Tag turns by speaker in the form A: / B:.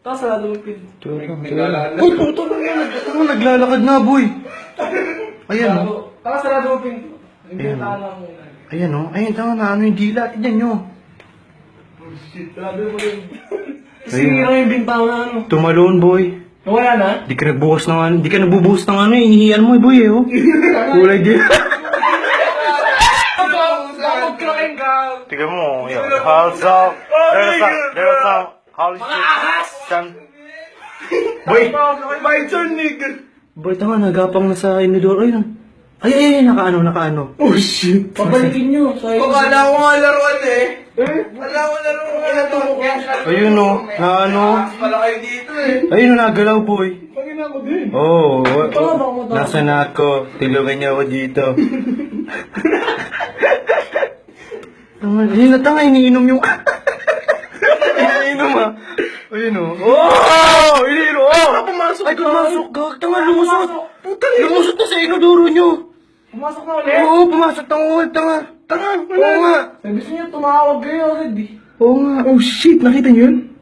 A: Tapos sarado mo yung pinto.
B: Uy, puto na yan. Ano, naglalakad na, boy. Ayan, oh.
A: Tapos sarado mo yung pinto. Hindi
B: Ayan,
A: yung tama mo.
B: Ayan, oh. Ayan, tanga na. Ano yung dila? Tignan nyo.
A: Oh shit, sarado mo yung...
B: Ayun.
A: Sinira yung bintana ano.
B: Tumalon, boy.
A: Nawala na?
B: Di ka nagbukas ng ano. Di ka nagbubuhos ng ano. Inihiyan mo, boy, eh, oh. Kulay din.
A: Magkakain ka!
B: Tignan mo. Yun. There's some holy shit. Boy.
A: My turn, nigga!
B: Boy, tanga, nagapang na sa inidor. Ayun. Ay, nakaano.
A: Oh shit! Pabalikin nyo.
C: Wala ko nga laruan eh. Wala ko laruan.
B: Ayun, oh. Na ano.
C: Pala kayo dito eh.
B: Ayun, oh, nagalaw, boy.
A: Pagin ako din.
B: Oh,
A: Tama ba ako?
B: nasa na ako. Tulungan niya ako dito. Ayun na, tanga, iniinom yung... iniinom, ah. Ayun, oh. Oh! Iniinom, oh!
A: Pumasok
B: Ay,
A: na.
B: pumasok ka. Tanga, lumusot. Lumusot na sa inodoro nyo.
A: Pumasok na ulit.
B: Oo, pumasok na ulit, tanga. Tanga, oo nga.
A: Sabi niya tumawag kayo agad eh.
B: Oo nga. Oh, shit, nakita niyo yun?